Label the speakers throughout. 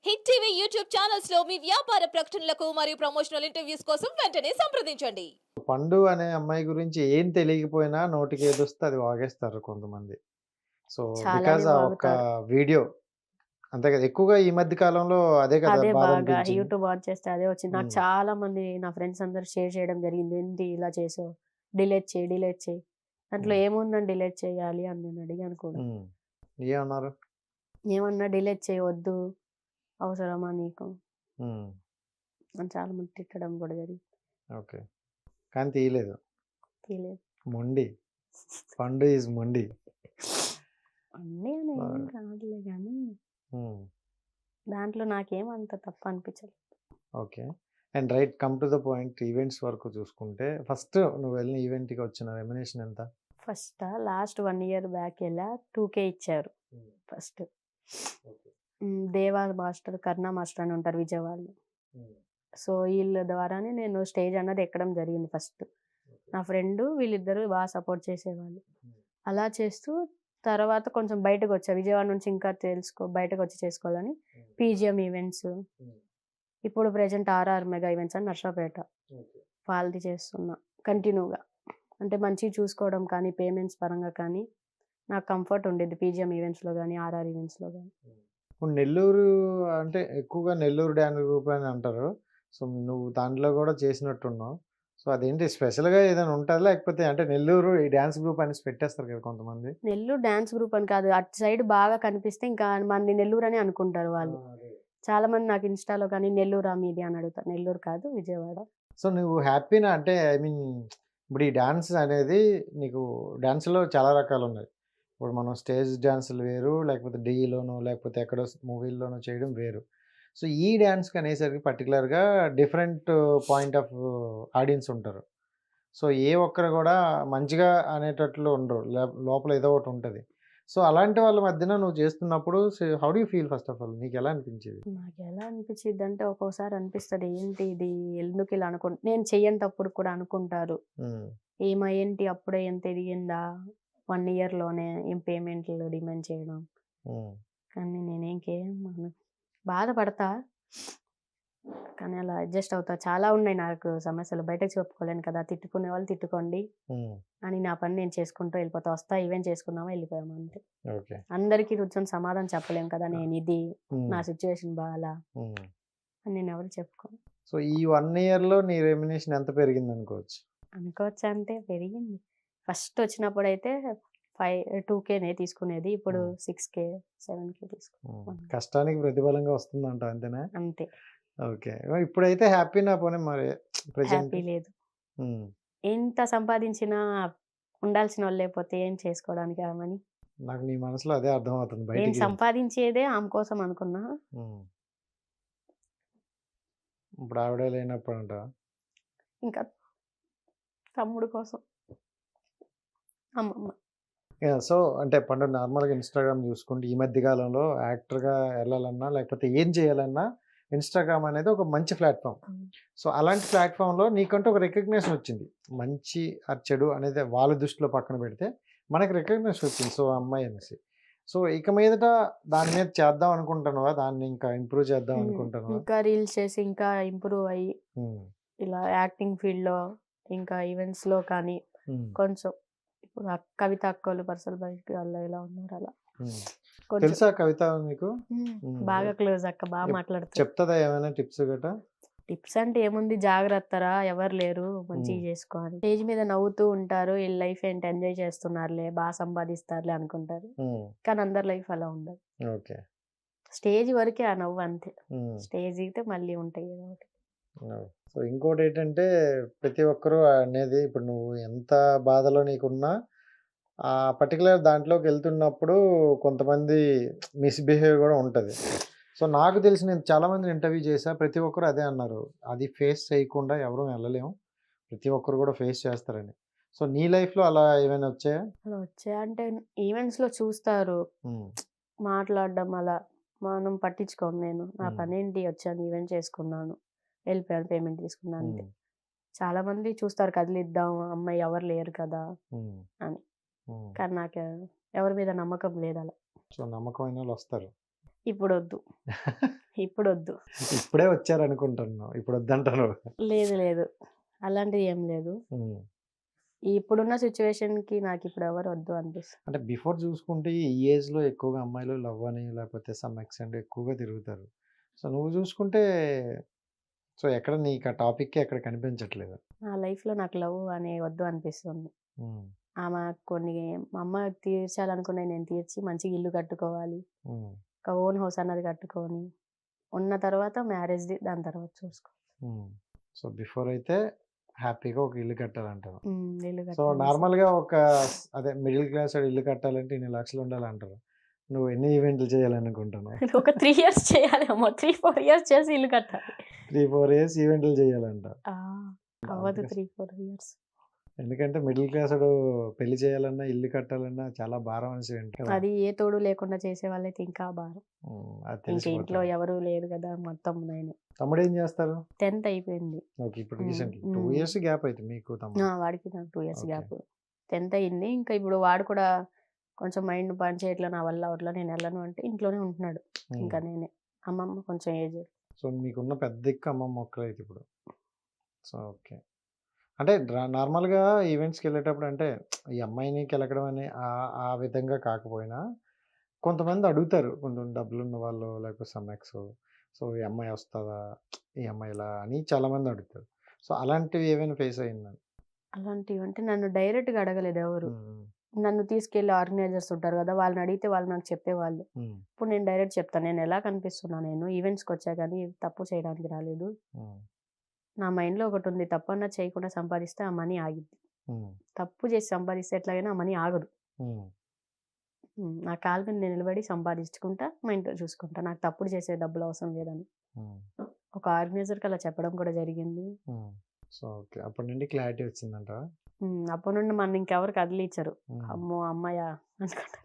Speaker 1: Hit TV YouTube channels లో మీ వ్యాపార ప్రకటనలకు మరియు ప్రమోషనల్ ఇంటర్వ్యూస్ కోసం వెంటనే సంప్రదించండి.
Speaker 2: పండు అనే అమ్మాయి గురించి ఏం తెలియకపోయినా నోటికేదొస్తే అది వాగేస్తారు కొంతమంది. సో,
Speaker 3: చాలానే
Speaker 2: బికాజ్ ఆ ఒక్క
Speaker 3: వాగుతారు.
Speaker 2: వీడియో అంతే కదా! ఎక్కువగా ఈ మధ్య కాలంలో అదే కదా
Speaker 3: అదే బాగా
Speaker 2: బాధనిపించింది.
Speaker 3: యూట్యూబ్ ఆన్ చేస్తే అదే వచ్చింది. నాకు
Speaker 2: హ్మ్.
Speaker 3: చాలా మంది నా ఫ్రెండ్స్ అందరూ షేర్ చేయడం జరిగింది. "ఏంటి ఇలా చేసావు? డిలీట్ చెయి, డిలీట్ చెయి." దాంట్లో
Speaker 2: హ్మ్.
Speaker 3: ఏముందని డిలీట్ చేయాలి అని నేను అడిగాను కూడా.
Speaker 2: హ్మ్. ఏమన్నారు?
Speaker 3: ఏమన్నా డిలీట్ చెయి వద్దు. అవసరమా నీకు?
Speaker 2: హ్మ్.
Speaker 3: అని చాలా మంది తిట్టడం కూడా జరిగింది.
Speaker 2: ఓకే. కానీ తీయలేదు.
Speaker 3: తెలియదు.
Speaker 2: మొండి. పండు ఈజ్ మొండి.
Speaker 3: అన్నీ అని ఏం
Speaker 2: ఆ!
Speaker 3: కాదులే గానీ,
Speaker 2: హ్మ్.
Speaker 3: దాంట్లో నాకేం అంత తప్పు అనిపించలేదు.
Speaker 2: Okay. And right come to the point events వరకు చూసుకుంటే ఫస్ట్ నువ్వు వెళ్ళిన ఈవెంట్‌కి వచ్చిన రెమ్యునరేషన్ ఎంత?
Speaker 3: లాస్ట్ 1 ఇయర్ బ్యాక్ ఎలా 2,000 ఇచ్చారు
Speaker 2: హ్మ్.
Speaker 3: First.
Speaker 2: Okay.
Speaker 3: Deva master, Karuna master అని ఉంటారు విజయవాడలో.
Speaker 2: హ్మ్.
Speaker 3: సో, ఈళ్ళ ద్వారానే నేను స్టేజ్ అన్నది ఎక్కడం జరిగింది ఫస్ట్.
Speaker 2: ఓకే.
Speaker 3: నా ఫ్రెండు వీళ్ళిద్దరూ సపోర్ట్ చేసేవాళ్ళు.
Speaker 2: హ్మ్.
Speaker 3: అలా చేస్తూ తర్వాత కొంచెం బయటకొచ్చా. విజయవాడ నుంచి ఇంకా బయటకొచ్చి చేసుకోవాలని
Speaker 2: హ్మ్.
Speaker 3: పీజీఎం ఈవెంట్స్,
Speaker 2: హ్మ్.
Speaker 3: ఇప్పుడు ప్రెజెంట్ ఆర్ఆర్ మెగా ఈవెంట్స్ అని నర్సాపేట
Speaker 2: ఓకే.
Speaker 3: వాళ్ళది చేస్తున్నా కంటిన్యూగా. అంటే మంచిగా చూసుకోవడం కానీ, పేమెంట్స్ పరంగా కానీ నాకు కంఫర్ట్ ఉండిద్ది పీజీఎం ఈవెంట్స్‌లో గానీ, ఆర్ఆర్ ఈవెంట్స్‌లో గానీ.
Speaker 2: హ్మ్. ఇప్పుడు నెల్లూరు అంటే ఎక్కువగా నెల్లూరు డాన్స్ గ్రూప్ అని అంటారు. సో, నువ్వు దాంట్లో గూడా చేసినట్టున్నావు. సో, అదేంటి స్పెషల్‌గా ఏదైనా ఉంటదా? లేకపోతే అంటే నెల్లూరు ఈ డాన్స్ గ్రూప్ అనేసి పెట్టేస్తారు కదా కొంతమంది.
Speaker 3: నెల్లూరు డాన్స్ గ్రూప్ అని కాదు. అటు సైడ్ బాగా కనిపిస్తే ఇంకా మనది నెల్లూరనే అనుకుంటారు
Speaker 2: ఆ!
Speaker 3: వాళ్ళు.
Speaker 2: అదే.
Speaker 3: చాలామంది నాకు ఇన్‌స్టాలో కానీ నెల్లూరా మీది అని అడుగుతారు. నెల్లూరు కాదు విజయవాడ.
Speaker 2: సో, నువ్వు హ్యాపీనా? అంటే ఐ మీన్ ఇప్పుడు ఈ డాన్స్ అనేది నీకు డాన్స్‌లో చాలా రకాలున్నాయి. ఇప్పుడు మనం స్టేజ్ డాన్సులు వేరు, లేకపోతే డీలోనో లేకపోతే ఎక్కడో మూవీల్లోనో చేయడం వేరు. సో, ఈ డాన్స్‌కనేసరికి పర్టిక్యులర్‌గా డిఫరెంట్ పాయింట్ ఆఫ్ ఆడియన్స్ ఉంటారు. సో, ఏ ఒక్కరు గూడా మంచిగా అనేటట్లు ఉండరు. లోపల ఏదో ఒకటుంటది. సో, అలాంటి వాళ్ళ మధ్యన నువ్వు చేస్తున్నప్పుడు how do you feel first of all? నీకెలా అనిపించేది?
Speaker 3: నాకెలా అనిపిచ్చిద్దంటే ఒక్కోసారి అనిపిస్తది ఏంటి ఇది ఎందుకిలా నేను చెయ్యనితప్పుడు కూడా అనుకుంటారు.
Speaker 2: హ్మ్.
Speaker 3: ఏంటి అప్పుడే ఇంత ఎదిగిందా? 1 ఇయర్‌లోనే ఏం పేమెంట్‌లు డిమాండ్ చేయడం.
Speaker 2: హ్మ్.
Speaker 3: కానీ బాధపడతా. కానీ అలా అడ్జస్ట్ అవుతా. చాలా ఉన్నాయి నాకు సమస్యలు. బయటకి చెప్పుకోలేను కదా! తిట్టుకునే వాళ్ళు తిట్టుకోండి
Speaker 2: హ్మ్.
Speaker 3: అని నా పని నేను చేసుకుంటూ వెళ్ళిపోతా. ఈవెంట్ చేసుకున్నామా వెళ్ళిపోయామా అంతే.
Speaker 2: ఓకే.
Speaker 3: అందరికి కూర్చొని సమాధానం చెప్పలేం కదా!
Speaker 2: ఆ!
Speaker 3: నేనిది,
Speaker 2: హ్మ్.
Speaker 3: నా సిట్యుయేషన్ బాలా
Speaker 2: హ్మ్.
Speaker 3: అని నేనెవరికి చెప్పుకోను.
Speaker 2: సో, ఈ 1 ఇయర్‌లో నీ రెమ్యునరేషన్ ఎంత పెరిగిందనుకోవచ్చు?
Speaker 3: అనుకోవచ్చంటే పెరిగింది. ఫస్ట్ వచ్చినప్పుడైతే 2,000నే తీసుకునేది. ఇప్పుడు
Speaker 2: హ్మ్.
Speaker 3: 6,000, 7,000
Speaker 2: హ్మ్.
Speaker 3: తీసుకుంటున్నాను.
Speaker 2: కష్టానికి ప్రతిఫలంగా వస్తుందంటావు అంతేనా?
Speaker 3: అంతే.
Speaker 2: ఓకే. మరి ఇప్పుడైతే హ్యాపీనా పోనీ మరి ప్రెజెంట్?
Speaker 3: హ్యాపీ లేదు.
Speaker 2: హ్మ్.
Speaker 3: ఎంత సంపాదించినా ఉండాల్సినోళ్ళు లేకపోతే ఏం చేసుకోవడానికి ఆమని.
Speaker 2: నాకు నీ మనసులో అదే అర్థమవుతుంది
Speaker 3: నేను
Speaker 2: బయటికి.
Speaker 3: సంపాదించేదే ఆమె కోసం అనుకున్నా.
Speaker 2: హ్మ్. ఇప్పుడు ఆవిడే లేనప్పుడంటావా?
Speaker 3: ఇంకా తమ్ముడు కోసం అమ్మమ్మ.
Speaker 2: యాహ్! సో, అంటే పండు నార్మల్‌గా ఇన్‌స్టాగ్రామ్ చూసుకుంటే ఈ మధ్య కాలంలో యాక్టర్‌గా ఎళ్ళాలన్నా, లేకపోతే ఏం చేయాలన్నా ఇన్‌స్టాగ్రామ్ అనేది ఒక మంచి ప్లాట్‌ఫార్మ్.
Speaker 3: హ్మ్.
Speaker 2: సో, అలాంటి ప్లాట్‌ఫార్మ్‌లో నీకంటూ ఒక రికగ్నిషన్ వచ్చింది. మంచి చెడు అనేది వాళ్ళ దృష్టిలో పక్కన పెడితే, మనకి రికగ్నిషన్ వచ్చింది. సో, ఆ అమ్మాయి అనేసి. సో, ఇక మీదట దాని మీద చేద్దాం అనుకుంటున్నావా? దాన్ని ఇంకా ఇంప్రూవ్ చేద్దాం అనుకుంటున్నావా?
Speaker 3: ఇంకా రీల్స్ చేసి ఇంకా ఇంప్రూవ్ అయ్యి
Speaker 2: హ్మ్.
Speaker 3: ఇలా యాక్టింగ్ ఫీల్డ్‌లో ఇంకా ఈవెంట్స్‌లో కానీ
Speaker 2: హ్మ్.
Speaker 3: కొంచెం ఇప్పుడు కవిత అక్కోళ్ళు పర్సనల్ బయటికి వాళ్ళు ఎలా ఉన్నారు అలా.
Speaker 2: హ్మ్.
Speaker 3: కొంచెం
Speaker 2: తెలుసా కవిత మీకు?
Speaker 3: హ్మ్.
Speaker 2: హ్మ్.
Speaker 3: బాగా క్లోజ్ అక్క.
Speaker 2: ఎప్
Speaker 3: మాట్లాడుతది.
Speaker 2: చెప్తదా ఏమైనా టిప్స్ గటా?
Speaker 3: టిప్స్ అంటే ఏముంది జాగ్రత్తరా ఎవరు లేరు
Speaker 2: హ్మ్.
Speaker 3: మంచిగా చేసుకో అని. స్టేజ్ మీద నవ్వుతూ ఉంటారు. ఈళ్ళ లైఫ్ ఏంటి ఎంజాయ్ చేస్తున్నారులే, సంపాదిస్తారులే అనుకుంటారు.
Speaker 2: హ్మ్.
Speaker 3: కానీ అందరి లైఫ్ అలా ఉండదు.
Speaker 2: ఓకే.
Speaker 3: స్టేజ్ వరకే ఆ నవ్వు అంతే.
Speaker 2: హ్మ్.
Speaker 3: స్టేజ్ దిగితే మళ్ళీ ఉంటాయి ఏదో ఒకటి.
Speaker 2: అవును. సో, ఇంకోటేంటంటే ప్రతి ఒక్కరు అనేది ఇప్పుడు నువ్వు ఎంత బాధలో నీకున్నా ఆ పర్టిక్యులర్ దాంట్లోకెళ్తున్నప్పుడు కొంతమంది మిస్‌బిహేవ్ గూడా ఉంటది. సో, నాకు తెలిసి నేను చాలా మందిని ఇంటర్వ్యూ చేశా. ప్రతి ఒక్కరు అదే అన్నారు. అది ఫేస్ చేయకుండా ఎవరు ఎళ్ళలేం. ప్రతి ఒక్కరు గూడా ఫేస్ చేస్తారని. సో, నీ లైఫ్‌లో అలా ఏమైనా వచ్చాయా?
Speaker 3: అలా వచ్చాయంటే ఈవెంట్స్‌లో చూస్తారు.
Speaker 2: హ్మ్.
Speaker 3: మాట్లాడడం అలా. మనం పట్టించుకోను నేను. నా
Speaker 2: హ్మ్.
Speaker 3: పనేంటి వచ్చాను ఈవెంట్ చేసుకున్నాను. వెళ్ళిపోయాను పేమెంట్ తీసుకున్నా అంతే.
Speaker 2: హ్మ్.
Speaker 3: చాలామంది చూస్తారు కదిలిద్దాం, అమ్మాయి ఎవరు లేరు కదా!
Speaker 2: హ్మ్.
Speaker 3: అని.
Speaker 2: హ్మ్.
Speaker 3: కానీ నాకు ఎవరి మీద నమ్మకం లేదలా.
Speaker 2: సో, నమ్మకమైనోళ్ళొస్తారు.
Speaker 3: ఇప్పుడు వద్దు, ఇప్పుడు వద్దు.
Speaker 2: ఇప్పుడే వచ్చారనుకుంటున్నావు, ఇప్పుడు వద్దంటారు.
Speaker 3: లేదు లేదు, అలాంటిది ఏం లేదు.
Speaker 2: ఉమ్.
Speaker 3: ఇప్పుడున్న సిచ్యువేషన్కి నాకు ఇప్పుడు ఎవరు వద్దు అనిపిస్తుంది.
Speaker 2: అంటే బిఫోర్ చూసుకుంటే ఈ ఏజ్లో ఎక్కువగా అమ్మాయిలు లవ్ అని లేకపోతే సమ్ ఎక్స్టెంట్ ఎక్కువగా తిరుగుతారు. సో నువ్వు చూసుకుంటే సో ఎక్కడ నీకు ఆ టాపిక్ ఎక్కడ కనిపించట్లేదు.
Speaker 3: నా లైఫ్లో నాకు లవ్ అనే వద్దు అనిపిస్తుంది.
Speaker 2: ఉమ్,
Speaker 3: ఆమె కొన్ని మా అమ్మ తీర్చాలనుకున్నాయి నేను తీర్చి మంచిగా ఇల్లు కట్టుకోవాలి,
Speaker 2: ఉమ్,
Speaker 3: ఒక ఓన్ హౌస్ అన్నది కట్టుకొని ఉన్న తర్వాత మ్యారేజ్ది దాని తర్వాత చూసుకో.
Speaker 2: ఉమ్. సో బిఫోర్ అయితే హ్యాపీగా ఒక ఇల్లు కట్టాలంటారు.
Speaker 3: ఇల్లు
Speaker 2: సో
Speaker 3: కట్టాలి.
Speaker 2: నార్మల్గా ఒక అదే మిడిల్ క్లాస్ వాడు ఇల్లు కట్టాలంటే ఇన్ని లక్షలు ఉండాలంటారు. నువ్వు ఎన్ని ఈవెంట్లు చేయాలనుకుంటున్నావు?
Speaker 3: ఒక 3 years చేయాలేమో, 3-4 years చేసి ఇల్లు కట్టాలి.
Speaker 2: 3-4 years ఈవెంట్లు చేయాలంట.
Speaker 3: అవ్వదు 3-4 years.
Speaker 2: ఎందుకంటే మిడిల్ క్లాస్ వాడు పెళ్లి చేయాలన్నా ఇల్లు కట్టాలన్నా చాలా భారం అనేసి వింటారు.
Speaker 3: అది ఏ తోడు లేకుండా చేసే వాళ్ళైతే ఇంకా భారం.
Speaker 2: అది
Speaker 3: ఇంకా ఇంట్లో
Speaker 2: తెలిసిపోతుంది.
Speaker 3: ఎవరు లేరు కదా, మొత్తం నేను
Speaker 2: తమ్ముడు ఏం చేస్తారు?
Speaker 3: 10th అయిపోయింది.
Speaker 2: ఓకే, ఇప్పుడు
Speaker 3: um,
Speaker 2: recently 2
Speaker 3: um.
Speaker 2: years gap అయితే మీకు తమ్ముడు.
Speaker 3: వాడికి నాకు 2 years
Speaker 2: ఓకే.
Speaker 3: గ్యాప్. 10th అయింది. ఇంకా ఇప్పుడు వాడు కూడా కొంచెం మైండ్ పని చేయట్లా, నా వల్ల అవట్లా, నేను వెళ్ళను అంటే ఇంట్లోనే ఉంటున్నాడు.
Speaker 2: ఉమ్.
Speaker 3: ఇంకా నేనే, అమ్మమ్మ కొంచెం ఏజ్.
Speaker 2: సో మీకున్న పెద్ద దిక్కు అమ్మమ్మ ఒక్కరే అయితే ఇప్పుడు. సో ఓకే, అంటే నార్మల్గా ఈవెంట్స్కి వెళ్ళేటప్పుడు అంటే ఈ అమ్మాయిని కెలకడం అని ఆ విధంగా కాకపోయినా కొంతమంది అడుగుతారు, కొంచెం డబ్బులు ఉన్న వాళ్ళు లేకపోతే సమ్మెక్స్. సో ఈ అమ్మాయి వస్తుందా, ఈ అమ్మాయి ఇలా అని చాలామంది అడుగుతారు. సో అలాంటివి ఏమైనా ఫేస్ అయిందని?
Speaker 3: అలాంటివి అంటే నన్ను డైరెక్ట్గా అడగలేదు ఎవరు. నన్ను తీసుకెళ్ళి ఆర్గనైజర్స్ ఉంటారు కదా, వాళ్ళని అడిగితే వాళ్ళు నాకు చెప్పేవాళ్ళు. ఇప్పుడు నేను డైరెక్ట్ చెప్తాను, నేను ఎలా కనిపిస్తున్నా, నేను ఈవెంట్స్కి వచ్చా కానీ తప్పు చేయడానికి రాలేదు. నా మైండ్లో ఒకటి ఉంది, తప్పు అన్నా చేయకుండా సంపాదిస్తే ఆ మనీ ఆగిద్ది. తప్పు చేసి సంపాదిస్తే ఎట్లాగైనా ఆ మనీ ఆగదు. నా కాళ్ళ మీద నేను నిలబడి సంపాదించుకుంటా, మా ఇంట్లో చూసుకుంటా, నాకు తప్పుడు చేసే డబ్బులు అవసరం లేదని ఒక ఆర్గనైజర్కి అలా చెప్పడం కూడా జరిగింది.
Speaker 2: సో ఓకే, అప్పటి నుండి క్లారిటీ వచ్చిందంట.
Speaker 3: అప్పటి నుండి మన ఇంకెవరు కదిలిచ్చారు. అమ్మో అమ్మాయ అనుకుంటా.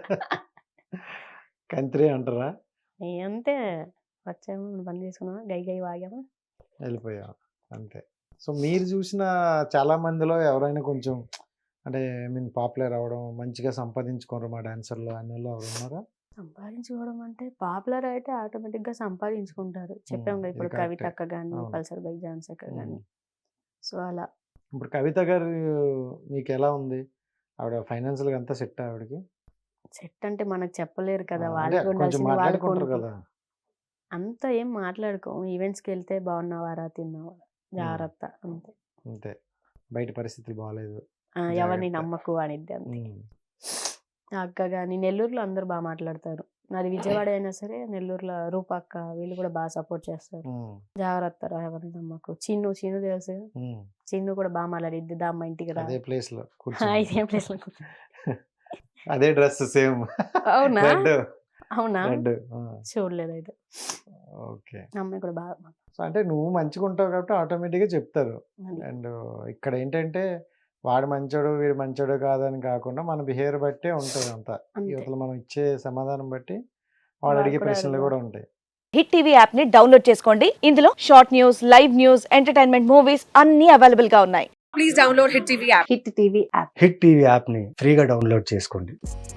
Speaker 2: కంత్రి అంటారా?
Speaker 3: అంతే, వచ్చాము పని చేసుకున్నామా, గై గై వాగామా,
Speaker 2: వెళ్ళిపోయా అంతే. సో మీరు చూసిన చాలా మందిలో ఎవరైనా కొంచెం అంటే పాపులర్ అవ్వడం, మంచిగా సంపాదించుకోరు మా డాన్సర్లు అనే వాళ్ళు ఎవరు ఉన్నారా?
Speaker 3: సంపాదించుకోవడం అంటే పాపులర్ అయితే ఆటోమేటిక్గా సంపాదించుకుంటారు. చెప్పాం కదా, ఇప్పుడు
Speaker 2: ఇది
Speaker 3: కవిత
Speaker 2: కరెక్టే.
Speaker 3: అక్క కానీ,
Speaker 2: అవును.
Speaker 3: పల్సర్ బైక్ జాన్స్ అక్క కానీ. సో అలా
Speaker 2: ఇప్పుడు కవిత గారు మీకు ఎలా ఉంది? ఆవిడ ఫైనాన్షియల్గా అంతా సెట్ ఆవిడకి?
Speaker 3: సెట్ అంటే మనకు చెప్పలేరు కదా,
Speaker 2: అంటే
Speaker 3: వాళ్ళకి
Speaker 2: కొంచెం
Speaker 3: ఉండాల్సింది వాళ్ళకి
Speaker 2: మాట్లాడుకుంటారు
Speaker 3: ఉంటుంది.
Speaker 2: కదా.
Speaker 3: అంత ఏం మాట్లాడుకోము. ఈవెంట్స్కి వెళ్తే బాగున్నావారా, తిన్నావారా, జాగ్రత్త అంతే.
Speaker 2: అంతే, బయట పరిస్థితులు బాగాలేదు.
Speaker 3: ఎవరిని
Speaker 2: జాగ్రత్త.
Speaker 3: నమ్మకు అనిద్ది అంతే. ఆ అక్క కానీ నెల్లూరులో అందరూ బాగా మాట్లాడతారు. నాది విజయవాడ అయినా సరే నెల్లూరులో రూప అక్క వీళ్ళు కూడా బాగా సపోర్ట్ చేస్తారు. జాగ్రత్త రా, ఎవరిని నమ్మకు. చిన్ను తెలుసు కదా, చిన్ను కూడా బాగా మాట్లాడిద్ది, దా అమ్మ ఇంటికి రా.
Speaker 2: అదే ప్లేస్ లో
Speaker 3: ఇదేం ప్లేస్ లో
Speaker 2: అదే డ్రెస్ సేమ్.
Speaker 3: అవునా?
Speaker 2: రెడ్.
Speaker 3: అవునా?
Speaker 2: రెడ్.
Speaker 3: చూడలేదు అయితే.
Speaker 2: ఓకే.
Speaker 3: అమ్మాయి కూడా బాగా
Speaker 2: సో అంటే నువ్వు మంచిగా ఉంటావు కాబట్టి ఆటోమేటిక్గా చెప్తారు.
Speaker 3: అది.
Speaker 2: అండ్ ఇక్కడ ఏంటంటే వాడు మంచోడు వీడు మంచోడు కాదని కాకుండా మన బిహేవియర్ బట్టే ఉంటుంది అంతా.
Speaker 3: అంతే.
Speaker 2: యువతలు మనం ఇచ్చే సమాధానం బట్టి వాడు
Speaker 3: వాడు
Speaker 2: అడిగే
Speaker 3: కూడా
Speaker 2: ప్రశ్నలు
Speaker 3: అడగాలి.
Speaker 2: కూడా ఉంటాయి.
Speaker 4: హిట్ టీవీ యాప్ ని డౌన్లోడ్ చేసుకోండి. ఇందులో short news, live news, entertainment movies అన్ని అవైలబుల్ గా ఉన్నాయి.
Speaker 5: Please download Hit TV app.
Speaker 3: Hit TV app.
Speaker 6: Hit TV యాప్ని ఫ్రీగా డౌన్లోడ్ చేసుకోండి.